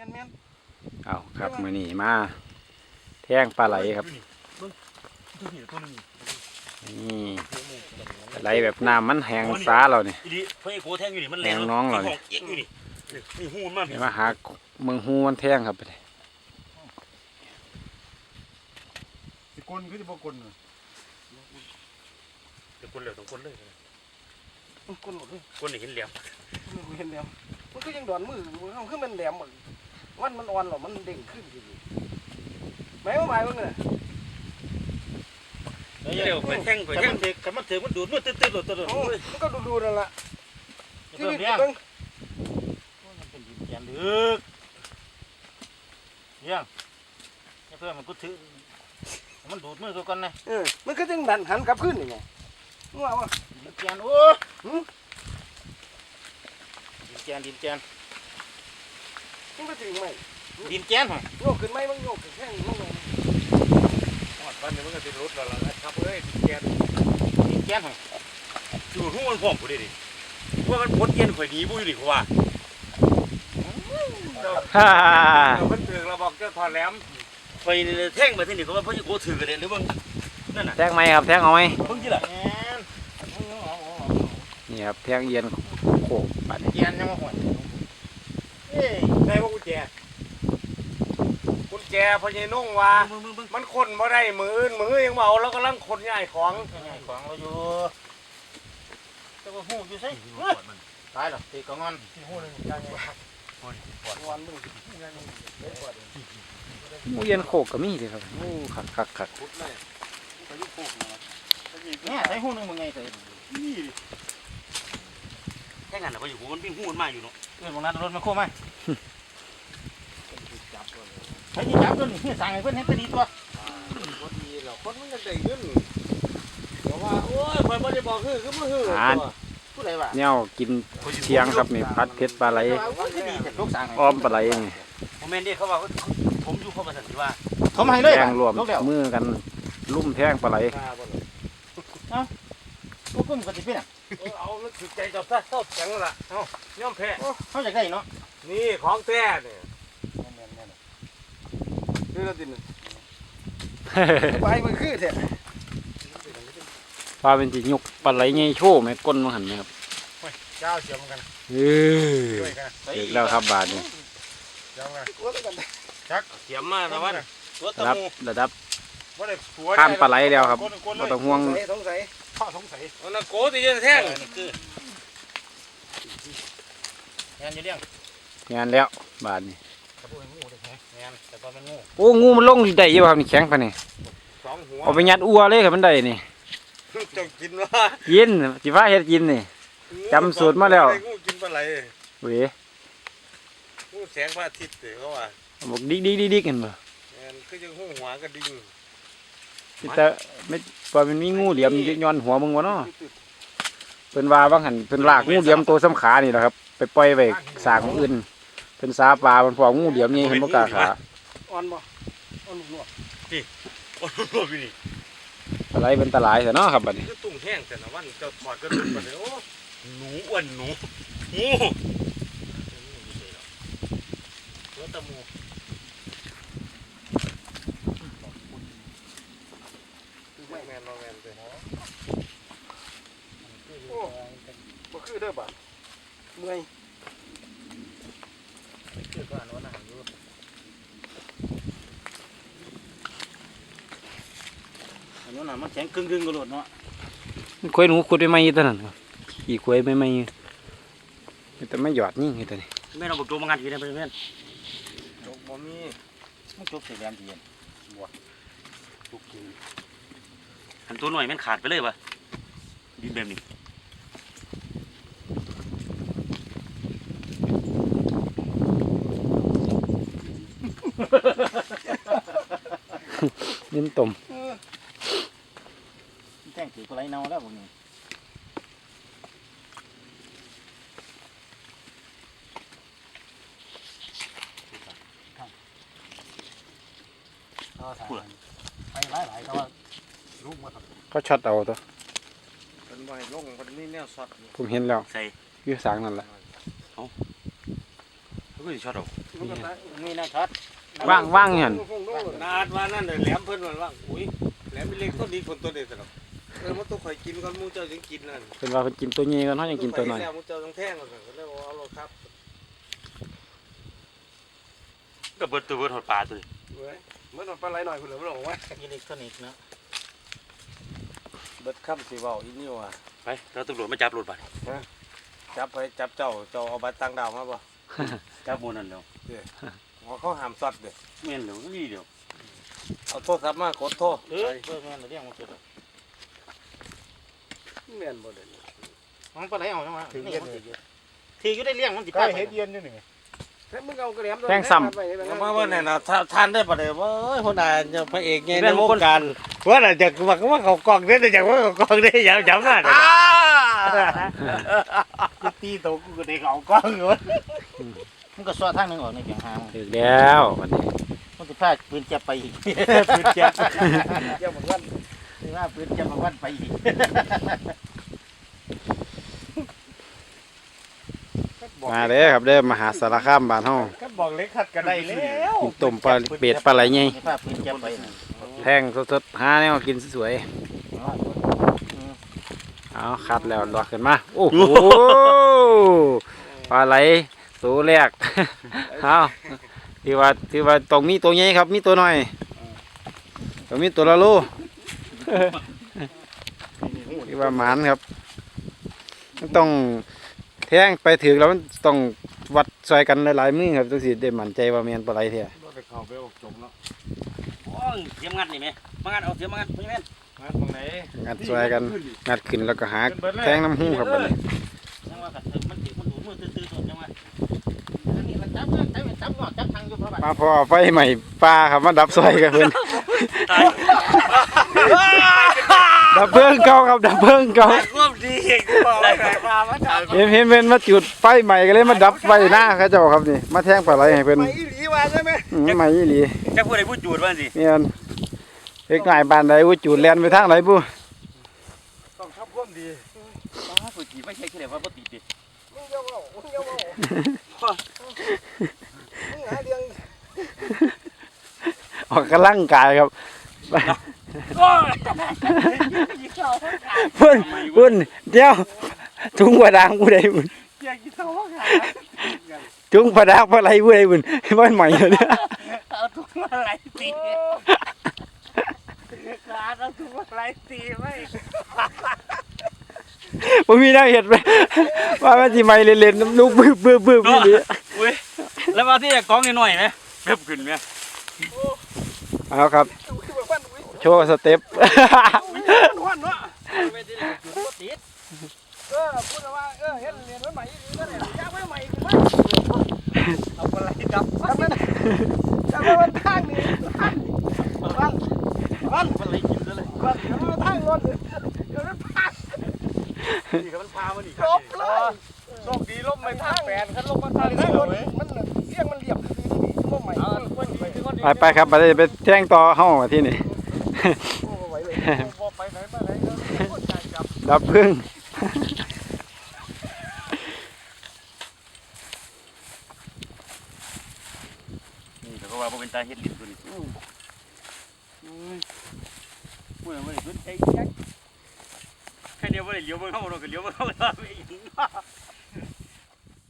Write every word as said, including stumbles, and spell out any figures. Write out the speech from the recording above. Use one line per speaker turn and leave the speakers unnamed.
นแม่น
เอาครับมื้อนี้มาแท่งปลาไหลครับนี่ปลาไหลแบบน้ำมันแห้งสาเราเนี่ยแห้งน้องเราเนี่ยมาหาเมืองหูมันแท่งครับไปเลย
สิกลคือสิบ่กลน่ะ
จะกลเลยต้องกลเลย
กลหมดเลย
กลนี่เห็นเหลี่ยม
เห็นแล้วมันก็ยังดอนมือมันคือมันแหลมหมดมันมันอ่อนหรอมันเด้งขึ้นอยู่ไหมว่าหมายว่าไง
เดี๋ยวไปแท่งไปแท่งเด็กมันถือมันดูดมันตื้อๆหลุดตัว
มันก็ดูๆนั่นแหละ
ที่นี่เพิ่งมันเป็นดินแกนลึกยังเพื่อนมันก็ถือมันดูดมือตัวกันนะ
เออมันก็จึงดันหันกลับขึ้นยังไงว่าว่า
ดินแกนโอ้ดินแกนดินแกน
มันก็ถึงไหม
ดินแกนหรอ
โยกขึ้นไหมมันโยกขึ้นแค่นี้มั้งเลย
วันนี้มันก็ติดรถแล้วล่ะครับเอ้ยดินแกนดินแกนหรอดูหูมันพร้อมกูดิดิว่ามันพ้นเย็นข่อยดีบุ้ยดิกูว่า
ฮ่า
มันถือเราบอกเจ้าถอดแหลมไปแท่งไปที่นี่เขาว่าพ่อจะโกถือกันเลยหรือว่านั่นน่ะ
แท่งไหมครับแท่งเอาไหม
เพิ่งกี่ละ
นี่ครับแท่งเย็นโขกปัน
เย็นยังมาห่วยเอ้ยใช่ว่ากุญแจกุญแจพญานุ่งว่ามันคนบ่ได้มืออื่นมือยังเมาแล้วก็ลังคนใหญ่ของใหญ่ของเราอยู่แต่ว่าหูอยู่ใช่ตายหรอตีกงอนหูนึงยังไงวันนึง
หมูเย็นโขกก็มีเลยครับโอ้ขักขักขัก
เนี่ยใช้หูนึงมึงไงเถอะนี่แค่งั้นเหรอพออยู่หูมันวิ่งหูมันมาอยู่เนาะเออบางนัดรถมันโค้งไหมใช้ที่จับตัวนี่สั่งให้เพื่อนให้ไปดีตัว
คนดีหรอคนมันจะได้เงินบอกว่าโอ้ยคอยไม่ได้บอกคือคือมือคือผู้ใดวะ
เนี่ยกินเชียงครับนี่พัดเพชรปลาไหลอ้อมปลาไหลนี่
ผมเมนดี้เขาบอกผมอยู่เขาประสันติว่าเขาไม่ให้เลย
แท่งรวมมือกันลุ่มแท่งปลาไหล
เอ้าพวกกุ้งกันติเป็นอ่ะ
เอาถือใจจับซะเข้าแข็งละเอาย่อมแพ้
เขาอยากได้เนาะ
นี่ของแท้เนี่ยนี่เราดินไปมันคือแท้
ปลาเป็นจีนยกปลาไหลไงโชว์ไหมก้นมันหันไหมครับ
เจ้าเสียมกัน
เออเด็กแล้วครับบาทนี่
ชักเสียมมาแล้ววัน
ระดับระดับข้ามปลาไหลแล้วครับเราต้องห่วง
สงสัย
ข้อสงสัย
นักโกตีเย็นแท่ง
คืองานอยู่เรื่อง
งานแล้วบาทนี่โอ้งูมันลงได้ยังครับนี่แข็งปะนี่เอาไปยัดอัวเลยครับมันได้นี่
จะกินว่า
กินจีฟ้าเฮ็ดกินนี่จำสูตรมาแล้ว
งูกินปลาไหล
เว้ย
งูแสงพระอาทิตย์เดี๋ยวเขาว่า
บอกดิ๊กดิ๊กดิ๊กดิ๊กกันบ่
คือยังหูหัวกระดิ่ง
แต่ไม่พอมันมีงูเหลี่ยมย้อนหัวมึงวะเนาะเป็นว่าบางหันเป็นลากงูเหลี่ยมตัวสำขานี่แหละครับไปปล่อยไว้สางอื่นเป็นสาปลาเป็นพวกงูเหลี่ยมนี่เห็นบ่กล้าขา
อ่อนบ่อ่อนหนวด
นี่อ่อนหนวดนี่
อะไรเป็นตะไลเถอะเนาะครับบัดนี้
ตุ่งแห้งแต่ละวันจะถอดกระดูกบัดนี้โอ้
หนูอ้วนหนูงูตัวตะมู
แมนแมนแมนเลยโอ้บ่คือเด้อบ่เมื่อย
คือก็อันนั้นนะอยู่อันนั้นน่ะมันแข็งกึ่งกึ่งกระโดดเนาะ
คุยหนูขุดไปไม่ยี่ตัวนั้นครับขี่คุยไปไม่ยี่แต่ไม่หยอดนี่ไงตัวนี้
แม่เราบอกโจมงานทีนะเพื่อน
โจมบ่มี
มันโจมเสียแรงทีนบัวทุกทีอันตัวหน่อยมันขาดไปเลยวะดินแบบนี้
ดินตุ่ม
แท่งถือปลาไหลเน่าแล้วพวกนี้ไปหลายหลายแต่ว่าลูกมา
ก็ช็อตเอาตัว
เป็นใบลงเป็นนี่แนวสด
ผมเห็นแล้วใส่ยืดสางนั่นแหละ
เอาก็สิช็อตเอา
มันก็ตาย
นี่นะช็อต
ว่างว่างเห็น
นาดว่านั่นแหลมเพิ่นว่าว่างอุ้ยแหลมเป็นเล็กต้นดีคนตัวเด็ดสำหรับเออมันต้องข่อยกินก่อนมูเจ้าจึงกินนั่น
เป็นว่าเพิ่นกินตัวนี้กันเฮายังกินตัวน้อย
มูเจ้าต้องแท่งก่อนก็เลยเอาเราครับ
ก็เบิดตัวเบิดหดปลาตัวนี้
เว้ยมันปลาไหลหน่อยคุณเหลือมันบอกว่า
อิเล็กทรอนิกส์นะเบิดค่ำสิเว้าอีนี่ว่ะ
ไปเราตำรวจมาจับรถไป
จับไปจับเจ้าเจ้าเอาบัตรต่างดาวมาบ่
จับโมนั่นเดียว
เขาห้ามซอดเด้อ
เมียนเดียวนี่เดียว
เอาโทรศัพท์มากดโทรเออเพิ่นแม่นเรื่องมันสุด
แม่นบ่ได้
มันปลาไหลเอาจังว่าถึงเย็นทีอยู่ได้เลี้ยงมันสิไปเฮ็ดเย็นอยู่นี่
แค่มึงเอากระแหลม
มาว่าเนี่ยนะท่านได้ปะเดี๋ยวว่าคนอาจจะพระเอกไงในวงการว่าอาจจะว่าว่าเขากองได้แต่จากว่าเขากองได้อย่าจำได้กูตีตัวกูก็ได้เขากองอยู่มันก็ซ้อทางนึงออกในเพียงหาง
ถึกแล้ววันนี้
มันจะพาปืนเจ็บไปอีกปืนเจ็บ
เกี่ยวกับวัน
นี่ว่าปืนเจ็บมาวันไปอีก
มาเด้อครับเด้อมหาสารคามบ้านเฮา
ก็บอกเล็กขัดกันได้แล้ว
กินต้มปลาเป็ดปลาไหลใหญ่
พาปืนเจ็บไป
แทงสดๆหาแนวกินสวยๆเอาคัดแล้วลวกขึ้นมาโอ้โหปลาไหลตัวแรกเอาที่ว่าที่ว่าตรงมีตัวใหญ่ครับมีตัวน้อยตรงมีตัวละโลที่ว่าหมานครับมันต้องแทงไปถึงแล้วมันต้องวัดซอยกันหลายๆมือครับจังสิได้มั่นใจว่าแม่นปลาไหลแท้
เขาไปออกจมแล้ว
โอ้ยเสียมงัดนี่ไหมมางัดเอาเสียมมางัดพี่แม่น
งานตรงไหน
งัดซอยกันงัดขึ้นแล้วก็หาแทงน้ำหูครับบัดนี้
จังว่ากัดเถิงมันถือมันดูมือตื้อๆตัวจังว่า
อันนี้มันจับจับจับงอจับทางอยู่เพราะว่า
มาพอไฟใหม่ปลาครับมาดับซอยกันเพิ่น ดับเพลิงเก่าครับดับเพลิงเก่า
ร่วมดีเองกูบอกเลยมามาจับ
เห็นเห็นเพิ่นมาจุดไฟใหม่ก็เลยมาดับไฟหน้าเขาเจ้าครับนี่มาแทงปลาไหลให้เพิ่น
ไปอีหลีว่าใช่ไหม
อืมใหม่อีหลี
จะพูดอะไรพูดจูดบ้างสิ
แม่นเฮ็ดง่ายปานใดอู้จุดแล่นไปทางไหนบุ
ต้องทับร่วมดี
ป้าสุจีไม่ใช่แค่ว่าปติดดิ
มึงเยาว์มึงเยาว์มึงหาเรื่อง
ออกกำลังกายครับเพิ่นเพิ่นเดี๋ยวถุงปลาดางผู้ใดบุญ
อยากกินเท่าไหร่
ถุงปลาดางปลาไหลผู้ใดบุญบ่ใหม่เลยเนี่ย
เอาถุงอะไรตีขาเอาถุงอะไรตีไม่
บ่มีแนวเฮ็ดไปว่ามันสิใหม่เล่นๆน้ำลูกบึ้บๆๆอีหลี
อุ้ยแล้วมาที่กองนิดหน่อยไหมเพิ่มขึ้นไหม
เอาครับโชว์สเต็ป
หวานเนาะ
ไม่ได้เลยจูดติด
เออพูดว่าเออเฮ็ดเรียนไว้ใหม่อีหลีก็ได้ยากไว้ใหม่ขึ้นมา
เอาอะไรกับ
ทำมันทำมันทางนี้ทางวันวัน
อะไรกินซะเลย
วันทำมันทางรถเดี๋ยวมันพา
นี่ก็มันพามันอีก
จบเลยโชคดีล้มไม่ทางแปดคันลงมาทางทางรถมันเสียงมันเรียบคือนี่ล้มใหม่
ไปไปครับไปไปแท่งต่อเฮ้ามาที่นี่
โอ้ไหวเลยไปไหนมาไหนก็ใจจับ
ดับพึ่ง
นี่เขาว่าเป็นตาเฮ็ดลิ้นตัวนี้พูดอะไรเพิ่นใจยักแค่เดียวว่าเลี้ยวมันเข้ามาโดนก็เลี้ยวมันเข้ามาไม่ยิง